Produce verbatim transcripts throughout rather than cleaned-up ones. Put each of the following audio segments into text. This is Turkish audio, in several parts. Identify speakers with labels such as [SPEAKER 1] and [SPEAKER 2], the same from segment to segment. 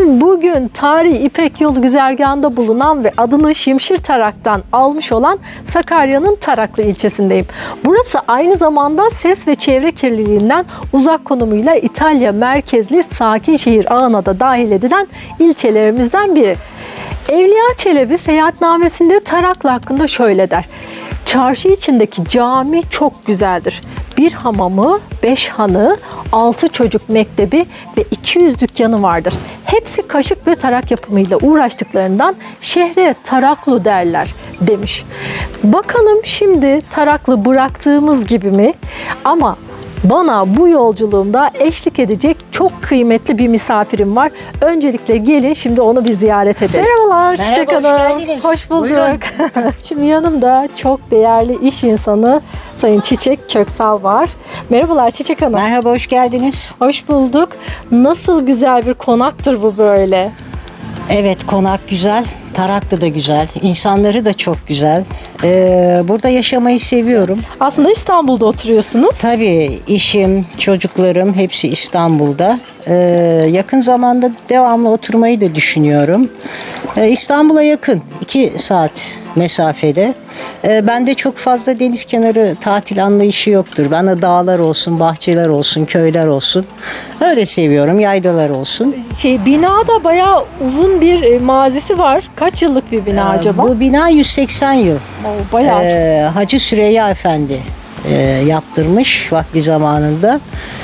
[SPEAKER 1] Efendim bugün tarihi İpek Yolu güzergahında bulunan ve adını Şimşir Tarak'tan almış olan Sakarya'nın Taraklı ilçesindeyim. Burası aynı zamanda ses ve çevre kirliliğinden uzak konumuyla İtalya merkezli sakin şehir ağına da dahil edilen ilçelerimizden biri. Evliya Çelebi seyahatnamesinde Taraklı hakkında şöyle der: çarşı içindeki cami çok güzeldir. Bir hamamı, beş hanı, altı çocuk mektebi ve iki yüz dükkanı vardır. Hepsi kaşık ve tarak yapımıyla uğraştıklarından şehre Taraklı derler demiş. Bakalım şimdi Taraklı bıraktığımız gibi mi? Ama bana bu yolculuğumda eşlik edecek çok kıymetli bir misafirim var. Öncelikle gelin şimdi onu bir ziyaret edelim. Merhabalar Çiçek
[SPEAKER 2] Merhaba,
[SPEAKER 1] Hanım.
[SPEAKER 2] hoş geldiniz.
[SPEAKER 1] Hoş bulduk.
[SPEAKER 2] Buyurun.
[SPEAKER 1] Şimdi yanımda çok değerli iş insanı Sayın Çiçek Köksal var. Merhabalar Çiçek Hanım.
[SPEAKER 2] Merhaba, hoş geldiniz.
[SPEAKER 1] Hoş bulduk. Nasıl güzel bir konaktır bu böyle.
[SPEAKER 2] Evet, konak güzel, Taraklı da güzel, insanları da çok güzel. Ee, burada yaşamayı seviyorum.
[SPEAKER 1] Aslında İstanbul'da oturuyorsunuz.
[SPEAKER 2] Tabii işim, çocuklarım hepsi İstanbul'da. Ee, yakın zamanda devamlı oturmayı da düşünüyorum. Ee, İstanbul'a yakın, iki saat mesafede. Ee, bende çok fazla deniz kenarı tatil anlayışı yoktur. Bana dağlar olsun, bahçeler olsun, köyler olsun. Öyle seviyorum, yaylalar olsun.
[SPEAKER 1] Şey, bina da bayağı uzun bir e, mazisi var. Kaç yıllık bir bina
[SPEAKER 2] Ee,
[SPEAKER 1] acaba?
[SPEAKER 2] Bu bina yüz seksen yıl.
[SPEAKER 1] Oo, bayağı.
[SPEAKER 2] Ee, Hacı Süreyya Efendi e, yaptırmış vakti zamanında.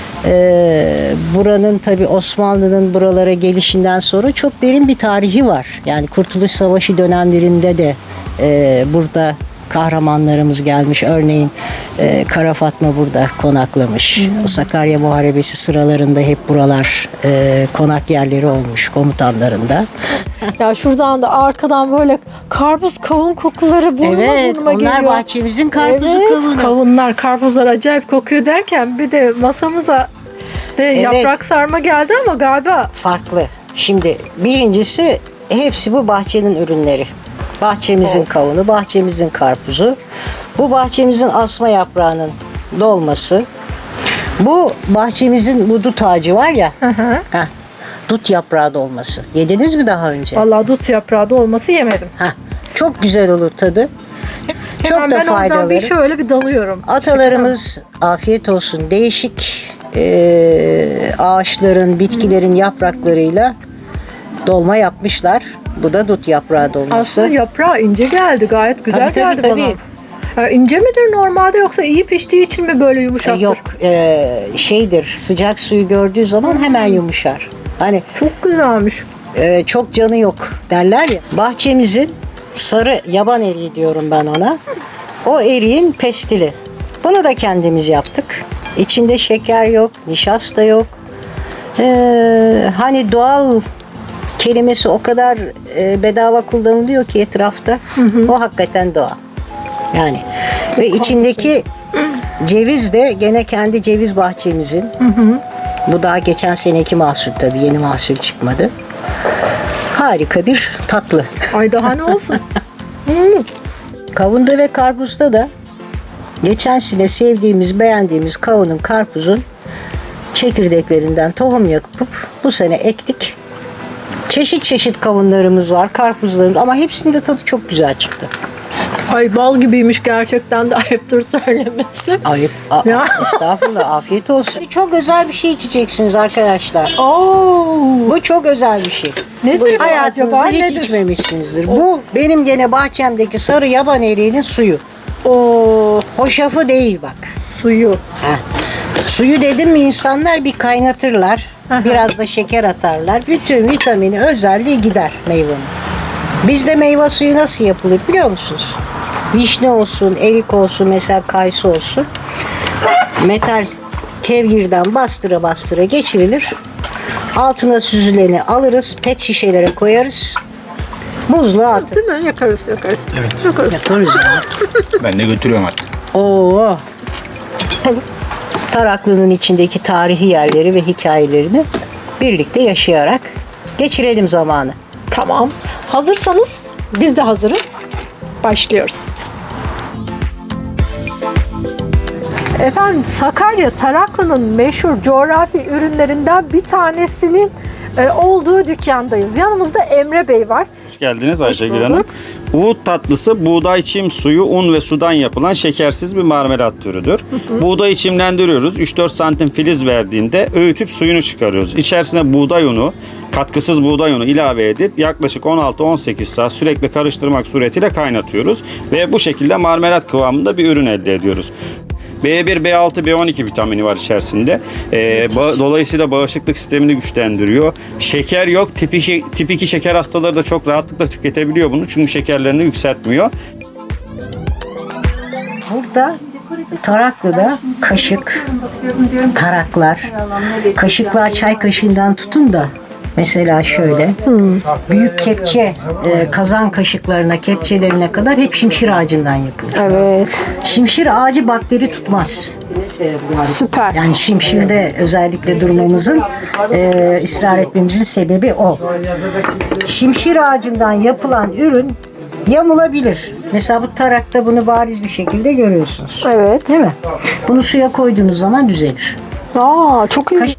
[SPEAKER 2] Ee, buranın tabi Osmanlı'nın buralara gelişinden sonra çok derin bir tarihi var. Yani Kurtuluş Savaşı dönemlerinde de e, burada kahramanlarımız gelmiş. Örneğin e, Kara Fatma burada konaklamış.
[SPEAKER 1] Hmm.
[SPEAKER 2] O Sakarya Muharebesi sıralarında hep buralar e, konak yerleri olmuş komutanlarında.
[SPEAKER 1] Ya şuradan da arkadan böyle karpuz kavun kokuları burnuma
[SPEAKER 2] Evet,
[SPEAKER 1] burnuma
[SPEAKER 2] onlar
[SPEAKER 1] geliyor.
[SPEAKER 2] bahçemizin karpuzu,
[SPEAKER 1] Evet,
[SPEAKER 2] kavunu.
[SPEAKER 1] kavunlar, karpuzlar acayip kokuyor derken bir de masamıza de yaprak sarma geldi ama galiba
[SPEAKER 2] Farklı. Şimdi birincisi hepsi bu bahçenin ürünleri. Bahçemizin kavunu, bahçemizin karpuzu, bu bahçemizin asma yaprağının dolması, bu bahçemizin bu dut ağacı var ya, heh, dut yaprağı dolması. Yediniz mi daha önce?
[SPEAKER 1] vallahi dut yaprağı da olması yemedim.
[SPEAKER 2] Heh, çok güzel olur tadı. Çok
[SPEAKER 1] Hemen
[SPEAKER 2] da
[SPEAKER 1] ben oradan bir
[SPEAKER 2] faydalı.
[SPEAKER 1] şöyle bir dalıyorum.
[SPEAKER 2] Atalarımız afiyet olsun değişik e, ağaçların, bitkilerin yapraklarıyla dolma yapmışlar. Bu da dut yaprağı dolması.
[SPEAKER 1] Aslında yaprağı ince geldi. Gayet güzel
[SPEAKER 2] Tabii, tabii,
[SPEAKER 1] geldi
[SPEAKER 2] tabii.
[SPEAKER 1] bana. Ya ince midir normalde yoksa iyi piştiği için mi böyle yumuşaktır?
[SPEAKER 2] Yok e, şeydir, sıcak suyu gördüğü zaman hemen yumuşar. Hani
[SPEAKER 1] Çok güzelmiş.
[SPEAKER 2] e, çok canı yok derler ya. Bahçemizin sarı yaban eriği diyorum ben ona. O eriğin pestili. Bunu da kendimiz yaptık. İçinde şeker yok, nişasta yok. Ee, hani doğal kelimesi o kadar e, bedava kullanılıyor ki etrafta. O hakikaten doğal. Yani ve içindeki ceviz de gene kendi ceviz bahçemizin. Bu daha geçen seneki mahsul tabii, yeni mahsul çıkmadı. Harika bir tatlı.
[SPEAKER 1] Ay daha ne olsun. Hmm.
[SPEAKER 2] Kavunda ve karpuzda da geçen sene sevdiğimiz, beğendiğimiz kavunun, karpuzun çekirdeklerinden tohum yapıp bu sene ektik. Çeşit çeşit kavunlarımız var, karpuzlarımız, ama hepsinde tadı çok güzel çıktı.
[SPEAKER 1] Ay bal gibiymiş gerçekten de ayıptır söylemesi.
[SPEAKER 2] Ayıp. Aa,
[SPEAKER 1] Ya.
[SPEAKER 2] Estağfurullah, afiyet olsun. Çok özel bir şey içeceksiniz arkadaşlar.
[SPEAKER 1] Oo.
[SPEAKER 2] Bu çok özel bir şey.
[SPEAKER 1] Nedir bu
[SPEAKER 2] Hayatınızda
[SPEAKER 1] acaba?
[SPEAKER 2] hiç
[SPEAKER 1] Nedir?
[SPEAKER 2] içmemişsinizdir. Bu benim gene bahçemdeki sarı yaban eriğinin suyu.
[SPEAKER 1] Oo,
[SPEAKER 2] Hoşafı değil bak.
[SPEAKER 1] suyu.
[SPEAKER 2] Heh. Suyu dedim mi insanlar bir kaynatırlar. Biraz da şeker atarlar. Bütün vitamini, özelliği gider meyvenin. Bizde meyve suyu nasıl yapılır biliyor musunuz? Vişne olsun, erik olsun, mesela kayısı olsun. Metal kevgirden bastıra bastıra geçirilir. Altına süzüleni alırız. Pet şişelere koyarız. Buzluğa atın.
[SPEAKER 1] Değil mi? Yakarız yakarız. Evet. Yakarız.
[SPEAKER 2] Yaparız ya.
[SPEAKER 3] Ben de götürüyorum artık.
[SPEAKER 2] Oo. Taraklı'nın içindeki tarihi yerleri ve hikayelerini birlikte yaşayarak geçirelim zamanı.
[SPEAKER 1] Tamam. Hazırsanız biz de hazırız. Başlıyoruz. Efendim Sakarya Taraklı'nın meşhur coğrafi ürünlerinden bir tanesinin e, olduğu dükkandayız. Yanımızda Emre Bey var.
[SPEAKER 3] Hoş geldiniz Ayşegül
[SPEAKER 1] bulduk.
[SPEAKER 3] Hanım. Uğut tatlısı buğday çim suyu, un ve sudan yapılan şekersiz bir marmelat türüdür. Buğdayı çimlendiriyoruz. üç dört santim filiz verdiğinde öğütüp suyunu çıkarıyoruz. İçerisine buğday unu, katkısız buğday unu ilave edip yaklaşık on altı on sekiz saat sürekli karıştırmak suretiyle kaynatıyoruz. Ve bu şekilde marmelat kıvamında bir ürün elde ediyoruz. B bir, B altı, B on iki vitamini var içerisinde. Ee, ba- dolayısıyla bağışıklık sistemini güçlendiriyor. Şeker yok. Tip iki, tip iki şeker hastaları da çok rahatlıkla tüketebiliyor bunu. Çünkü şekerlerini yükseltmiyor.
[SPEAKER 2] Burada Taraklı'da kaşık, taraklar, kaşıklar çay kaşığından tutun da mesela şöyle büyük kepçe e, kazan kaşıklarına, kepçelerine kadar hep şimşir ağacından yapılır.
[SPEAKER 1] Evet.
[SPEAKER 2] Şimşir ağacı bakteri tutmaz.
[SPEAKER 1] Süper.
[SPEAKER 2] Yani şimşirde özellikle durmamızın, e, ısrar etmemizin sebebi o. Şimşir ağacından yapılan ürün yamulabilir. Mesela bu tarakta bunu bariz bir şekilde görüyorsunuz.
[SPEAKER 1] Evet.
[SPEAKER 2] Değil mi? Bunu suya koyduğunuz zaman düzelir.
[SPEAKER 1] Aa, çok iyi.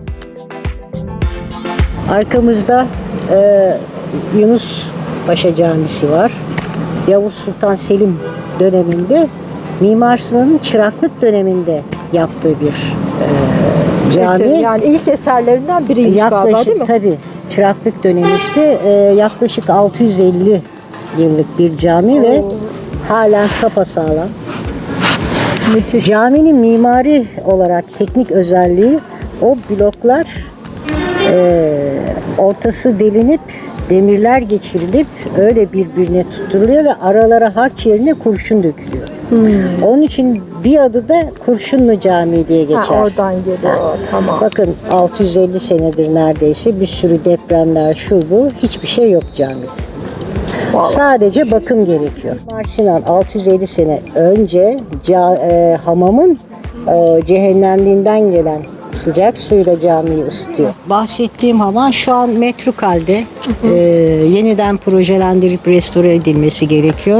[SPEAKER 2] Arkamızda e, Yunus Paşa Camisi var. Yavuz Sultan Selim döneminde Mimar Sinan'ın çıraklık döneminde yaptığı bir e, cami.
[SPEAKER 1] Eser, yani ilk eserlerinden biriymiş galiba, değil mi?
[SPEAKER 2] Yaklaşık tabii çıraklık dönemi işte e, yaklaşık altı yüz elli yıllık bir cami ve halen sapasağlam.
[SPEAKER 1] Müthiş.
[SPEAKER 2] Caminin mimari olarak teknik özelliği o bloklar e, ortası delinip demirler geçirilip öyle birbirine tutturuluyor ve aralara harç yerine kurşun dökülüyor.
[SPEAKER 1] Hmm.
[SPEAKER 2] Onun için bir adı da Kurşunlu Camii diye geçer.
[SPEAKER 1] Ha, oradan geliyor. Tamam.
[SPEAKER 2] Bakın altı yüz elli senedir neredeyse bir sürü depremler şu bu hiçbir şey yok camide.
[SPEAKER 1] Vallahi.
[SPEAKER 2] Sadece bakım gerekiyor. Mimar Sinan altı yüz elli sene önce ca, e, hamamın e, cehennemliğinden gelen sıcak suyla camiyi ısıtıyor. Bahsettiğim hamam şu an metruk halde. E, yeniden projelendirip restore edilmesi gerekiyor.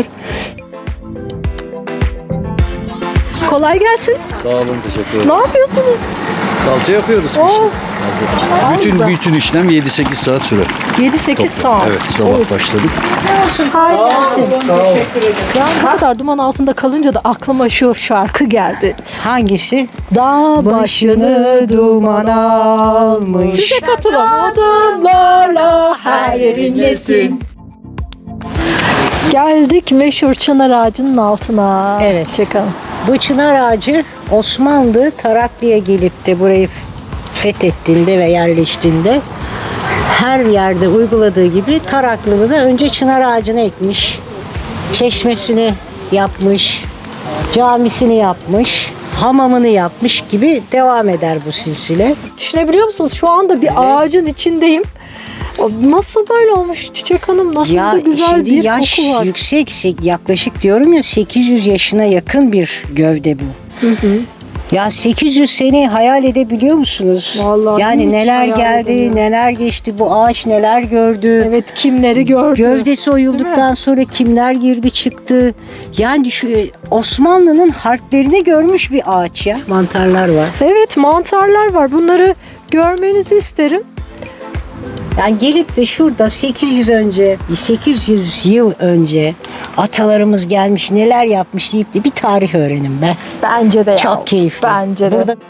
[SPEAKER 1] Kolay gelsin.
[SPEAKER 4] Sağ olun, teşekkür
[SPEAKER 1] Ne
[SPEAKER 4] ederim.
[SPEAKER 1] yapıyorsunuz?
[SPEAKER 4] Salça yapıyoruz
[SPEAKER 1] Oh.
[SPEAKER 4] işte.
[SPEAKER 1] Güzel.
[SPEAKER 4] Bütün bütün işlem yedi sekiz saat sürer.
[SPEAKER 1] yedi sekiz saat.
[SPEAKER 4] Evet, sabah başladık.
[SPEAKER 2] Olsun, kolay gelsin.
[SPEAKER 1] Yani bu kadar duman altında kalınca da aklıma şu şarkı geldi.
[SPEAKER 2] Hangisi?
[SPEAKER 1] Dağ başını
[SPEAKER 2] duman almış.
[SPEAKER 1] Size katılamadılarla her yerin yesin. Geldik meşhur çınar ağacının altına.
[SPEAKER 2] Evet.
[SPEAKER 1] Çıkalım.
[SPEAKER 2] Bu çınar ağacı Osmanlı Taraklı'ya gelip de burayı fethettiğinde ve yerleştiğinde her yerde uyguladığı gibi Taraklı'da da önce çınar ağacını ekmiş. Çeşmesini yapmış. Camisini yapmış. Hamamını yapmış gibi devam eder bu silsile.
[SPEAKER 1] Düşünebiliyor musunuz? Şu anda bir ağacın içindeyim. O nasıl böyle olmuş Çiçek Hanım? Nasıl da güzel
[SPEAKER 2] şimdi
[SPEAKER 1] bir
[SPEAKER 2] yaş
[SPEAKER 1] koku var.
[SPEAKER 2] yüksek, sek- yaklaşık diyorum ya sekiz yüz yaşına yakın bir gövde bu. Ya sekiz yüz seneyi hayal edebiliyor musunuz?
[SPEAKER 1] Vallahi
[SPEAKER 2] yani
[SPEAKER 1] hiç
[SPEAKER 2] neler
[SPEAKER 1] hayal
[SPEAKER 2] geldi,
[SPEAKER 1] edemiyorum.
[SPEAKER 2] neler geçti, bu ağaç neler gördü.
[SPEAKER 1] Evet, kimleri gördü.
[SPEAKER 2] Gövdesi oyulduktan sonra kimler girdi çıktı. Yani şu Osmanlı'nın harplerini görmüş bir ağaç ya. Mantarlar var.
[SPEAKER 1] Evet, mantarlar var. Bunları görmenizi isterim.
[SPEAKER 2] Yani gelip de şurada sekiz yüz önce, sekiz yüz yıl önce atalarımız gelmiş neler yapmış deyip de bir tarih öğrenin be.
[SPEAKER 1] Bence de ya.
[SPEAKER 2] Çok keyifli.
[SPEAKER 1] Bence de.
[SPEAKER 2] Burada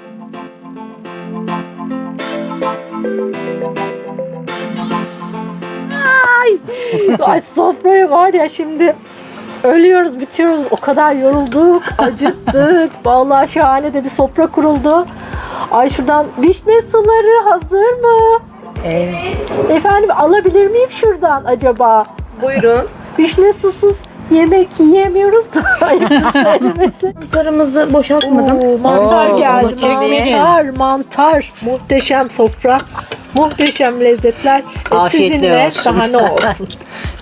[SPEAKER 1] Ay, sofraya var ya şimdi ölüyoruz, bitiyoruz. O kadar yorulduk, acıktık. Vallahi şahane de bir sofra kuruldu. Ay, şuradan vişne suları hazır mı? Evet. Efendim, alabilir miyim şuradan acaba?
[SPEAKER 5] Buyurun.
[SPEAKER 1] Vişne susuz yemek yiyemiyoruz da. ayıptır söylemesi.
[SPEAKER 5] Mantarımızı boşaltmadım.
[SPEAKER 1] Oo, mantar
[SPEAKER 2] Oo,
[SPEAKER 1] geldi.
[SPEAKER 2] onu sevmedim.
[SPEAKER 1] Mantar, mantar. Muhteşem sofra. Muhteşem lezzetler. E,
[SPEAKER 2] Afiyetle
[SPEAKER 1] sizinle
[SPEAKER 2] olsun.
[SPEAKER 1] daha ne olsun.